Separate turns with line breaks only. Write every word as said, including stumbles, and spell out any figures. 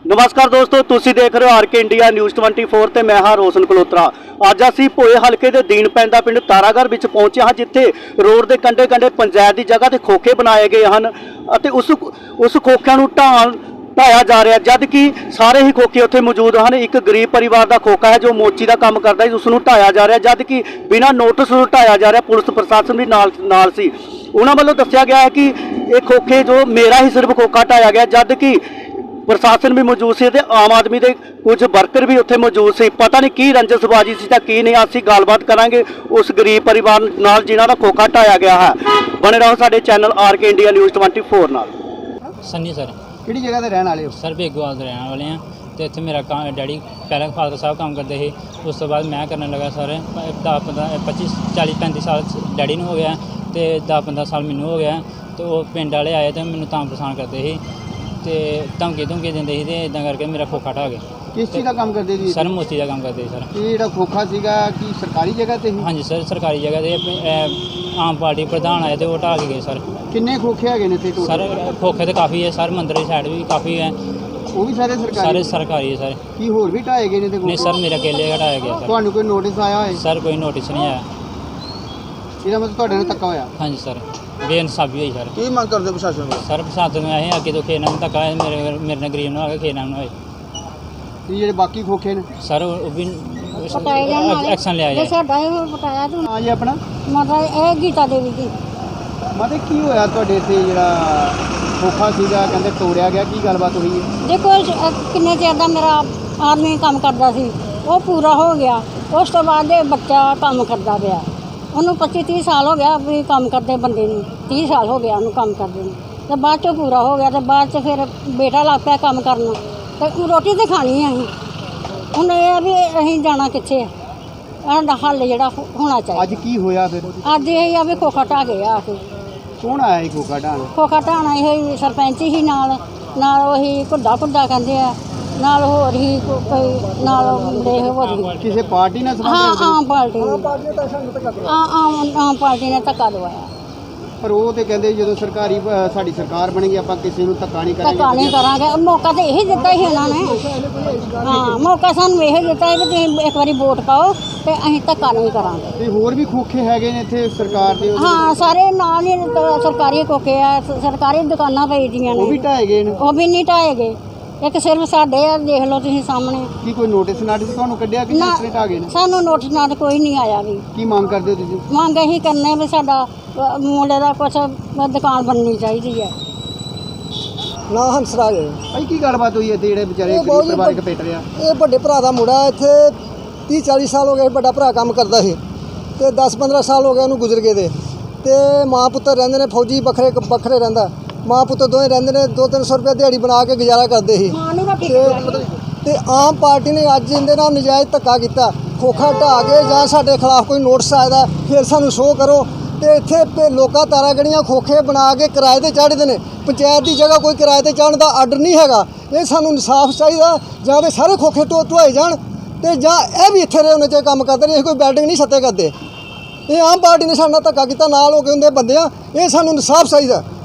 नमस्कार दोस्तों, तुसी देख रहे हो आर के इंडिया न्यूज़ चौबीस ਤੇ मैं हाँ रोशन कलोत्रा। ਅੱਜ ਅਸੀਂ ਭੋਏ ਹਲਕੇ ਦੇ ਦੀਨ ਪੈਂਦਾ ਪਿੰਡ ਤਾਰਾਗੜ੍ਹ ਵਿੱਚ ਪਹੁੰਚੇ ਹਾਂ, ਜਿੱਥੇ ਰੋਡ ਦੇ ਕੰਢੇ ਕੰਢੇ ਪੰਚਾਇਤ ਦੀ ਜਗ੍ਹਾ ਤੇ ਖੋਖੇ ਬਣਾਏ ਗਏ ਹਨ ਅਤੇ ਉਸ ਉਸ ਖੋਖਿਆਂ ਨੂੰ ਢਾਣ ਢਾਇਆ ਜਾ ਰਿਹਾ, ਜਦ ਕਿ ਸਾਰੇ ਹੀ ਖੋਖੇ ਉੱਥੇ ਮੌਜੂਦ ਹਨ। ਇੱਕ ਗਰੀਬ ਪਰਿਵਾਰ ਦਾ ਖੋਖਾ ਹੈ ਜੋ ਮੋਚੀ ਦਾ ਕੰਮ ਕਰਦਾ ਹੈ, ਉਸ ਨੂੰ ਢਾਇਆ ਜਾ ਰਿਹਾ, ਜਦ ਕਿ ਬਿਨਾਂ ਨੋਟਿਸ ਤੋਂ ਢਾਇਆ ਜਾ ਰਿਹਾ। ਪੁਲਿਸ ਪ੍ਰਸ਼ਾਸਨ ਵੀ ਨਾਲ ਨਾਲ ਸੀ। ਉਹਨਾਂ ਵੱਲੋਂ ਦੱਸਿਆ ਗਿਆ ਹੈ ਕਿ ਇਹ ਖੋਖੇ ਜੋ ਮੇਰਾ ਹੀ ਸਿਰਫ ਖੋਖਾ ਢਾਇਆ ਗਿਆ, ਜਦ ਕਿ प्रशासन भी मौजूद से ते आम आदमी के कुछ वर्कर भी उत्थे मौजूद से। पता नहीं की रंजसबाजी सी तां की नहीं। असीं गलबात करांगे उस गरीब परिवार नाल जिन्हां दा खोखा ढाया गया है। बने रहो साडे channel R K India news चौबीस नाल।
सन्नी सर
ਕਿਹੜੀ ਜਗ੍ਹਾ ਤੇ ਰਹਿਣ ਵਾਲੇ ਹੋ?
सर बेगोवाल ਦੇ ਰਹਿਣ ਵਾਲੇ ਹਾਂ ਤੇ ਇੱਥੇ ਮੇਰਾ ਕੰਮ ਡੈਡੀ ਪਹਿਲਾਂ ਫਾਦਰ ਸਾਹਿਬ ਕੰਮ ਕਰਦੇ ਸੀ, ਉਸ ਤੋਂ ਬਾਅਦ ਮੈਂ ਕਰਨ ਲੱਗਾ। ਸਰ ਦਸ ਪੰਦਰਾਂ ਪੱਚੀ ਚਾਲੀ ਪੈਂਤੀ ਸਾਲ ਡੈਡੀ ਨੂੰ ਹੋ ਗਿਆ ਤੇ ਦਸ ਪੰਦਰਾਂ ਸਾਲ ਮੈਨੂੰ ਹੋ ਗਿਆ। ਤੇ ਉਹ ਪਿੰਡ ਵਾਲੇ ਆਏ ਤੇ ਮੈਨੂੰ ਤਾਂ ਪਰੇਸ਼ਾਨ ਕਰਦੇ ਸੀ ਤੇ ਧਮਕੀ ਧਮਕੀ ਦਿੰਦੇ ਸੀ ਤੇ ਇਦਾਂ ਕਰਕੇ ਮੇਰਾ ਖੋਖਾ ਢਾਹ ਗਿਆ।
ਕਿਸ ਚੀਜ਼ ਦਾ ਕੰਮ ਕਰਦੇ ਜੀ?
ਸਰ ਮੋਚੀ ਦਾ ਕੰਮ ਕਰਦੇ ਸੀ ਸਰ।
ਇਹ ਜਿਹੜਾ ਖੋਖਾ ਸੀਗਾ ਕੀ ਸਰਕਾਰੀ ਜਗ੍ਹਾ ਤੇ ਸੀ?
ਹਾਂਜੀ ਸਰ, ਸਰਕਾਰੀ ਜਗ੍ਹਾ ਤੇ ਇਹ ਆਮ ਪਾਰਟੀ ਪ੍ਰਧਾਨ ਆਏ ਤੇ ਉਹ ਢਾਹ ਕੇ ਗਏ ਸਰ।
ਕਿੰਨੇ ਖੋਖੇ ਹੈਗੇ ਨੇ ਇੱਥੇ ਟੋਟਲ?
ਸਰ ਖੋਖੇ ਤੇ ਕਾਫੀ ਹੈ ਸਰ, ਮੰਦਰ ਦੀ ਸਾਈਡ ਵੀ ਕਾਫੀ ਹੈ।
ਉਹ ਵੀ ਸਾਰੇ ਸਰਕਾਰੀ?
ਸਾਰੇ ਸਰਕਾਰੀ ਹੈ ਸਰ।
ਕੀ ਹੋਰ ਵੀ ਢਾਏ ਗਏ ਨੇ ਤੇ
ਨਹੀਂ ਸਰ, ਮੇਰਾ ਕੇਲੇ ਢਾਇਆ ਗਿਆ ਸਰ।
ਤੁਹਾਨੂੰ ਕੋਈ ਨੋਟਿਸ ਆਇਆ ਹੋਏ?
ਸਰ ਕੋਈ ਨੋਟਿਸ ਨਹੀਂ ਆਇਆ।
ਇਹਦਾ ਮਤਲਬ ਤੁਹਾਡੇ ਨਾਲ ਧੱਕਾ ਹੋਇਆ?
ਹਾਂਜੀ ਸਰ, ਬੇਇਨਸਾਫੀ ਹੋਈ ਸਰ।
ਕੀ ਮੰਗ ਕਰਦੇ ਪ੍ਰਸ਼ਾਸਨ ਕੋਲ?
ਸਰ ਪ੍ਰਸ਼ਾਸਨ ਨੂੰ ਇਹ ਅੱਗੇ ਤੋਂ ਖੇਡ ਨਾਲ ਧੱਕਾ ਹੋਇਆ, ਮੇਰੇ ਮੇਰੇ ਨਾਲ ਗਰੀਬ ਨਾ ਹੋਵੇ, ਖੇਡ ਨਾਲ ਨਾ ਹੋਏ।
ਇਹ ਜਿਹੜੇ ਬਾਕੀ ਖੋਖੇ ਨੇ
ਸਰ ਉਹ ਵੀ
ਪਟਾਇਆ
ਐਕਸ਼ਨ ਲਿਆ
ਜੇ
ਜਾਏ।
ਸਾਡਾ ਇਹ ਪਟਾਇਆ ਤੂੰ
ਹਾਂ ਜੀ ਆਪਣਾ
ਮਤਲਬ ਇਹ ਗੀਤਾ ਦੇਵੀ ਦੀ
ਮਤਲਬ ਕੀ ਹੋਇਆ ਤੁਹਾਡੇ ਇੱਥੇ ਜਿਹੜਾ ਖੋਖਾ ਸੀਗਾ ਕਹਿੰਦੇ ਤੋੜਿਆ ਗਿਆ, ਕੀ ਗੱਲਬਾਤ ਹੋਈ ਹੈ?
ਦੇਖੋ ਇਹ ਕਿੰਨੇ ਚਿਰ ਦਾ ਮੇਰਾ ਆਦਮੀ ਕੰਮ ਕਰਦਾ ਸੀ, ਉਹ ਪੂਰਾ ਹੋ ਗਿਆ। ਉਸ ਤੋਂ ਬਾਅਦ ਇਹ ਬੱਚਾ ਕੰਮ ਕਰਦਾ ਪਿਆ, ਉਹਨੂੰ ਪੱਚੀ ਤੀਹ ਸਾਲ ਹੋ ਗਿਆ ਵੀ ਕੰਮ ਕਰਦੇ ਬੰਦੇ ਨੂੰ, ਤੀਹ ਸਾਲ ਹੋ ਗਿਆ ਉਹਨੂੰ ਕੰਮ ਕਰਦੇ ਨੂੰ। ਤੇ ਬਾਅਦ 'ਚੋਂ ਪੂਰਾ ਹੋ ਗਿਆ ਤੇ ਬਾਅਦ 'ਚ ਫਿਰ ਬੇਟਾ ਲੱਗ ਪਿਆ ਕੰਮ ਕਰਨ ਤੇ ਰੋਟੀ ਤਾਂ ਖਾਣੀ ਅਸੀਂ। ਹੁਣ ਇਹ ਆ ਵੀ ਅਸੀਂ ਜਾਣਾ ਕਿੱਥੇ ਆ, ਸਾਡਾ ਹੱਲ ਜਿਹੜਾ ਹੋਣਾ ਚਾਹੀਦਾ।
ਅੱਜ ਕੀ ਹੋਇਆ ਫਿਰ?
ਅੱਜ ਇਹ ਆ ਵੀ ਖੋਖਾ ਢਾਹ ਗਏ ਆ ਕੇ।
ਕੌਣ ਆਇਆ ਇਹ ਖੋਖਾ ਢਾਣ?
ਖੋਖਾ ਢਾਣਾ ਇਹ ਸਰਪੰਚ ਹੀ ਨਾਲ ਨਾਲ ਉਹੀ ਘੁੱਡਾ ਘੁੱਡਾ ਕਹਿੰਦੇ ਆ, ਨਾਲ ਹੋਰ ਹੀ ਕੋ- ਕੋਈ ਨਾਲ ਮੁੰਡੇ ਹੋਰ ਵੀ।
ਕਿਸੇ ਪਾਰਟੀ ਨਾਲ ਸੰਬੰਧ
ਹਾਂ
ਰੱਖਦੇ ਨੇ?
ਆਮ ਪਾਰਟੀ ਨੇ ਆ ਆਮ ਆਮ ਪਾਰਟੀ ਨੇ ਧੱਕਾ ਦਵਾਇਆ।
ਪਰ ਉਹ ਤੇ ਕਹਿੰਦੇ ਜਦੋਂ ਸਰਕਾਰੀ ਅ, ਸਾਡੀ ਸਰਕਾਰ ਬਣੇਗੀ ਆਪਾਂ ਕਿਸੇ ਨੂੰ ਧੱਕਾ ਨਹੀਂ
ਧੱਕਾ
ਕਰਾਂਗੇ।
ਨਹੀਂ ਕਰਾਂਗੇ, ਮੌਕਾ ਤਾਂ ਇਹੀ ਦਿੱਤਾ ਸੀ ਉਹਨਾਂ ਨੇ। ਹਾਂ ਮੌਕਾ ਸਾਨੂੰ ਇਹੀ ਦਿੱਤਾ ਵੀ ਤੁਸੀਂ ਇੱਕ ਵਾਰੀ ਵੋਟ ਪਾਓ ਤੇ ਅਸੀਂ ਧੱਕਾ ਨਹੀਂ ਕਰਾਂਗੇ।
ਤੇ ਹੋਰ ਵੀ ਖੋਖੇ ਹੈਗੇ ਨੇ ਇੱਥੇ ਸਰਕਾਰ ਦੇ? ਉਹਦੇ
ਹਾਂ ਸਾਰੇ ਨਾਲ ਹੀ ਤ- ਸਰਕਾਰੀ ਕੋਕੇ ਆ, ਸ- ਸਰਕਾਰੀ ਦੁਕਾਨਾਂ ਪਈਆਂ
ਉਹ ਵੀ
ਨੇ,
ਢਾਏ ਗਏ ਨੇ?
ਉਹ ਵੀ ਨਹੀਂ ਢਾਏ ਗਏ। ਇੱਕ ਸਿਰਫ ਸਾਡੇ ਆ, ਦੇਖ ਲਓ ਤੁਸੀਂ ਸਾਹਮਣੇ।
ਕੀ ਕੋਈ ਨੋਟਿਸ ਨਾਟਿਸ ਤੁਹਾਨੂੰ ਕੱਢਿਆ ਕਿ
ਨਾ,
ਜਿਸ ਢਾਹ ਗਏ ਨੇ?
ਸਾਨੂੰ ਨੋਟਿਸ ਨਾਲ ਕੋਈ ਨਹੀਂ ਆਇਆ ਵੀ।
ਕੀ ਮੰਗ ਕਰਦੇ ਹੋ ਤੁਸੀਂ?
ਮੰਗ ਇਹੀ ਕਰਨੇ ਵੀ ਸਾਡਾ ਅ, ਮੁੰਡੇ ਦਾ ਕੁਛ ਦੁਕਾਨ ਬਣਨੀ ਚਾਹੀਦੀ ਹੈ।
ਨਾ ਹੰਸਰਾਜ
ਭਾਈ ਕੀ ਗੱਲਬਾਤ ਹੋਈ ਇੱਥੇ ਜਿਹੜੇ ਵਿਚਾਰੇ
ਇਹ
ਗਰੀਬ
ਬਹੁਤ ਹੀ
ਪਰਿਵਾਰਕ ਪਿੱਟ ਰਿਹਾ?
ਇਹ ਵੱਡੇ ਭਰਾ ਦਾ ਮੁੰਡਾ ਇੱਥੇ ਤੀਹ ਚਾਲੀ ਸਾਲ ਹੋ ਗਏ, ਵੱਡਾ ਭਰਾ ਕੰਮ ਕਰਦਾ ਸੀ ਤੇ ਦਸ ਪੰਦਰਾਂ ਸਾਲ ਹੋ ਗਏ ਉਹਨੂੰ ਗੁਜ਼ਰ ਗਏ ਦੇ। ਤੇ ਮਾਂ ਪੁੱਤਰ ਰਹਿੰਦੇ ਨੇ, ਫੌਜੀ ਵੱਖਰੇ ਵੱਖਰੇ ਰਹਿੰਦਾ, ਮਾਂ ਪੁੱਤਰ ਦੋਵੇਂ ਰਹਿੰਦੇ ਨੇ, ਦੋ ਤਿੰਨ ਸੌ ਰੁਪਏ ਦਿਹਾੜੀ ਬਣਾ ਕੇ ਗੁਜ਼ਾਰਾ ਕਰਦੇ ਸੀ। ਤੇ ਤੇ ਆਮ ਪਾਰਟੀ ਨੇ ਅੱਜ ਇਹਦੇ ਨਾਲ ਨਜਾਇਜ਼ ਧੱਕਾ ਕੀਤਾ। ਖੋਖਾ ਢਾਹ ਕੇ ਜਾਂ ਸਾਡੇ ਖਿਲਾਫ ਕੋਈ ਨੋਟਿਸ ਆਇਆ ਫਿਰ ਸਾਨੂੰ ਸ਼ੋਅ ਕਰੋ। ਤੇ ਇੱਥੇ ਪ- ਲੋਕਾਂ ਤਾਰਾਂ ਗੜੀਆਂ ਖੋਖੇ ਬਣਾ ਕੇ ਕਿਰਾਏ ਤੇ ਚਾੜ੍ਹਦੇ ਨੇ। ਪੰਚਾਇਤ ਦੀ ਜਗ੍ਹਾ ਕੋਈ ਕਿਰਾਏ ਤੇ ਚਾੜ੍ਹਨ ਦਾ ਆਰਡਰ ਨਹੀਂ ਹੈਗਾ। ਇਹ ਸਾਨੂੰ ਇਨਸਾਫ ਚਾਹੀਦਾ, ਜਾਂ ਤੇ ਸਾਰੇ ਖੋਖੇ ਢੋ ਢੋਏ ਜਾਣ ਤੇ ਜਾਂ ਇਹ ਵੀ ਇੱਥੇ ਰਹੇ ਉਹਨਾਂ 'ਚ ਕੰਮ ਕਰਦੇ ਨੇ। ਇਹ ਕੋਈ ਬਿਲਡਿੰਗ ਨਹੀਂ ਛੱਤੇ ਕਰਦੇ। ਇਹ ਆਮ ਪਾਰਟੀ ਨੇ ਸਾਡੇ ਨਾਲ ਧੱਕਾ ਕੀਤਾ, ਨਾਲ ਹੋ ਕੇ ਹੁੰਦੇ ਬੰਦੇ ਆ। ਇਹ ਸਾਨੂੰ ਇਨਸਾਫ ਚਾਹੀਦਾ।